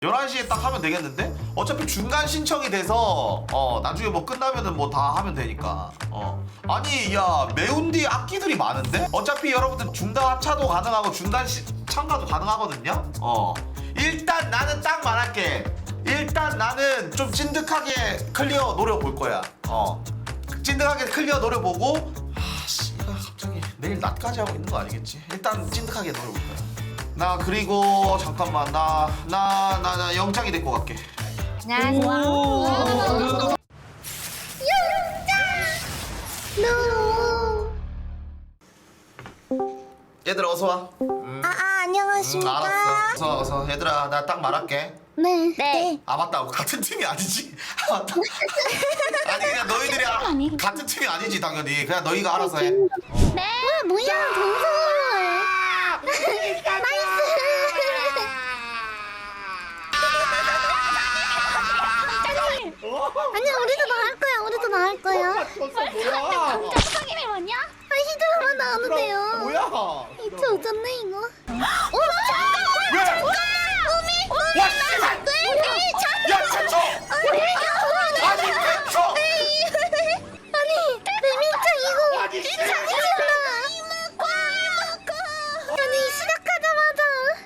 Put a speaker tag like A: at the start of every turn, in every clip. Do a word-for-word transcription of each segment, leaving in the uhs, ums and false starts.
A: 열한 시에 딱 하면 되겠는데? 어차피 중간 신청이 돼서 어 나중에 뭐 끝나면은 뭐 다 하면 되니까. 어 아니 야 매운디 악기들이 많은데? 어차피 여러분들 중간 합차도 가능하고 중간 시, 참가도 가능하거든요. 어 일단 나는 딱 말할게. 일단 나는 좀 찐득하게 클리어 노려볼 거야. 어 찐득하게 클리어 노려보고. 아씨 얘가 갑자기 내일 낮까지 하고 있는 거 아니겠지? 일단 찐득하게 노려볼 거야. 나 그리고 잠깐만 나 나 나 나 영장이 데리고 갈게.
B: 안녕하세요.
A: 얘들아 어서 와. 음,
B: 아, 아
A: 음
B: 안녕하십니까.
A: 알았어. 어서 어서 얘들아 나 딱 말할게.
B: 네. 네.
A: 아 맞다 같은 팀이 아니지. 아 맞다. 아니 그냥 너희들이 아, 같은 팀이 아니지 당연히. 그냥 너희가 알아서 해.
B: 네. 와 뭐야 동물. 나이스. 아니야 우리도 나갈 거야. 우리도 나갈 거야.
C: 뭐야?
B: 성인이 뭐냐? 아 히드라만 나오는데요.
C: 뭐야?
B: 이제 오졌네 이거. 오
A: 왜?
B: 잠깐. 오미.
A: 와 씨발! 야 최초! 아니 최초!
B: 아니 레민짱 이거
C: 아니, 씨.
B: 장난이잖아. 아니 시작하자마자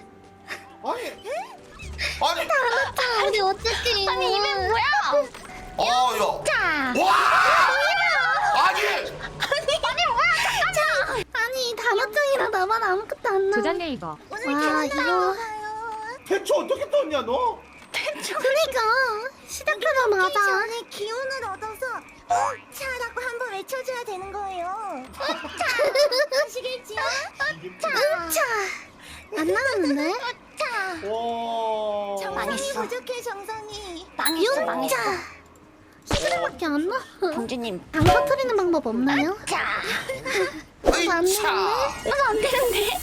C: 아니
A: 아니
B: 우리 어떻게 아니 이게 뭐야?
A: 어야
B: 자
A: 와! 아니
B: 아니 뭐야 잠깐만 아니 단어장이라 나만 아무것도 안 나와.
D: 조전 네이버.
B: 와 이거
C: 대초 어떻게 떴냐 너?
B: 그니까 시작하자마자
E: 전에 기운을 얻어서 차라고 한번 외쳐줘야 되는 거예요. 아시겠지요?
B: 응차 안 나왔는데?
E: 차.
C: 와.
E: 정성이
B: 망했어.
E: 부족해 정성이.
B: 망했어 망했어 히드라밖에 안 나와.
E: 공주님.
B: 안 터트리는 방법 없나요?
E: 차.
B: 안
A: 으이차
B: 되는데? 안 되는데?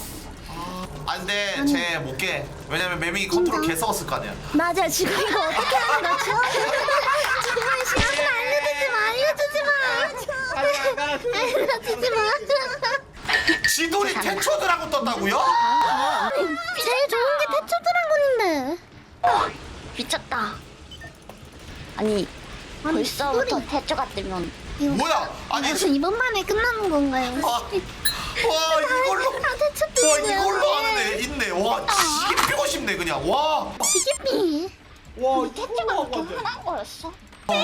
A: 안돼 쟤 못깨. 왜냐면 매밍이 컨트롤 개 썩었을 거 아니야.
E: 맞아 지금 이거 어떻게 하는 거죠?
B: 제발 시간을 알려주지 마 알려주지 마 알려주지 마
A: 지돌이 태초들하고 떴다고요?
B: 제일 좋은 게 태초 드라곤인데.
E: 미쳤다. 아니 벌써부터 태초가 뜨면
B: 이거
A: 뭐야? 아니
B: 무슨 이번 만에 끝나는 건가요?
A: 와, 와 이걸로
B: 아 태초
A: 와
B: 뜨는
A: 이걸로 하는 애 있네. 와 지게 피고 싶네 그냥. 와
B: 지기삐
C: 와
E: 태초가
C: 이거
E: 그렇게 흔한 거였어?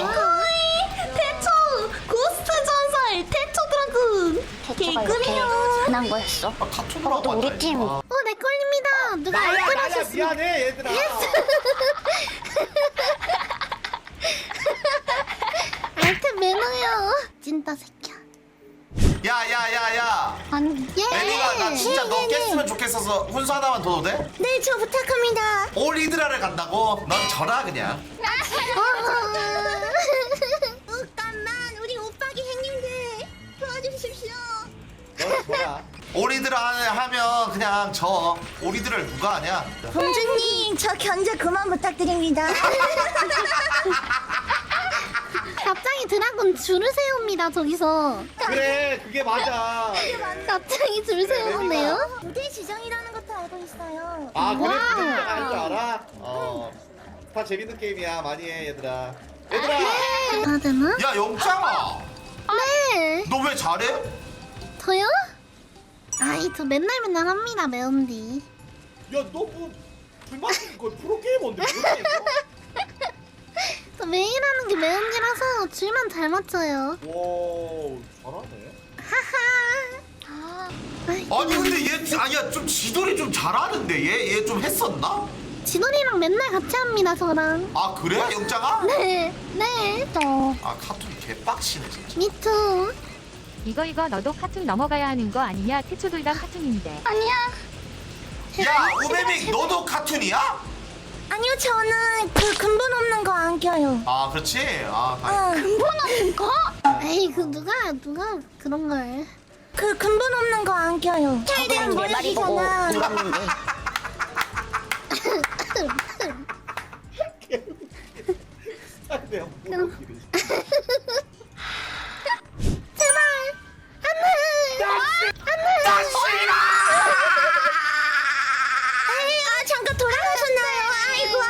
B: 태초 고스트 전설 태초 드라군
E: 태초가 이렇게 흔한 거였어?
A: 아, 카툰으로
E: 또 우리 팀.
A: 아,
B: 어내 걸립니다 누가
C: 나야 나야
B: 알뜰하셨습니다.
C: 미안해 얘들아.
B: 알뜰 매너요 찐따 새끼야.
A: 야야야야
B: 아니 예
A: 애니가 나 진짜 너
B: 예, 예, 예.
A: 깼으면 좋겠어서 훈수 하나만 더 도 돼?
E: 네 저 부탁합니다.
A: 올 히드라를 간다고? 넌 져라 그냥.
E: 잠깐만 우리 오빠기 행님들 도와주십시오.
C: 너 뭐야?
A: 올 히드라 하면 그냥 져. 올 히드라를 누가 하냐?
E: 공주님 저 견제 그만 부탁드립니다.
B: 갑자기 드라군 줄을 세웁니다 저기서.
C: 그래 그게 맞아.
B: 갑자기 줄 세우는데요?
E: 무대 지정이라는 것도 알고 있어요.
C: 아 그래
B: 와우.
C: 그게 아닌 줄 알아? 어. 다 재밌는 게임이야 많이 해 얘들아. 얘들아.
B: 아 되나?
A: 야 영창아
B: 네
A: 너 왜 잘해?
B: 저요? 아이 저 맨날 맨날 합니다 매운디.
C: 야너뭐 불만 이거 프로게이머인데 그렇게 했어?
B: 저 매일 하는 게 매운디라서 줄만 잘 맞춰요.
C: 와 잘하네.
B: 하하.
A: 아니 근데 얘 아니야 좀 지돌이 좀 잘하는데 얘 얘 좀 했었나?
B: 진원이랑 맨날 같이 합니다 저랑.
A: 아 그래 영창아?
B: 네, 네. 저
A: 아 카툰 개빡치네 진짜.
B: 미투.
D: 이거 이거 너도 카툰 넘어가야 하는 거 아니냐? 태초 둘 다 카툰인데.
B: 아니야.
A: 야 우메밍 너도 카툰이야?
E: 아니요 저는 그 근본 없는 거 안 껴요.
A: 아 그렇지. 아 다행.
E: 어, 근본 없는 거?
B: 에이 그 누가 누가 그런 걸.
E: 그 근본 없는 거 안 껴요. 최대한 모르시잖아.
C: 내가 뭐
B: 그럼. 제발 안돼. 안돼.
E: 에이, 아 잠깐 돌아가셨나요? 아이고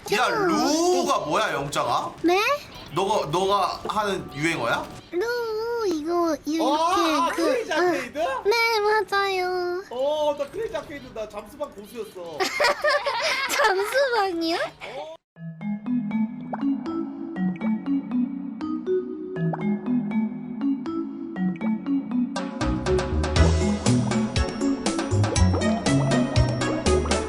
A: 야 루가 뭐야 영장아?
B: 네?
A: 너가 너가 하는 유행어야?
B: 루 이거 이렇게
C: 어, 아,
B: 그
C: 크레이지
B: 아,
C: 아케이드?
B: 네 맞아요.
C: 어, 나 크레이지 아케이드 나 잠수방 고수였어.
B: 잠수방이요?
C: 어.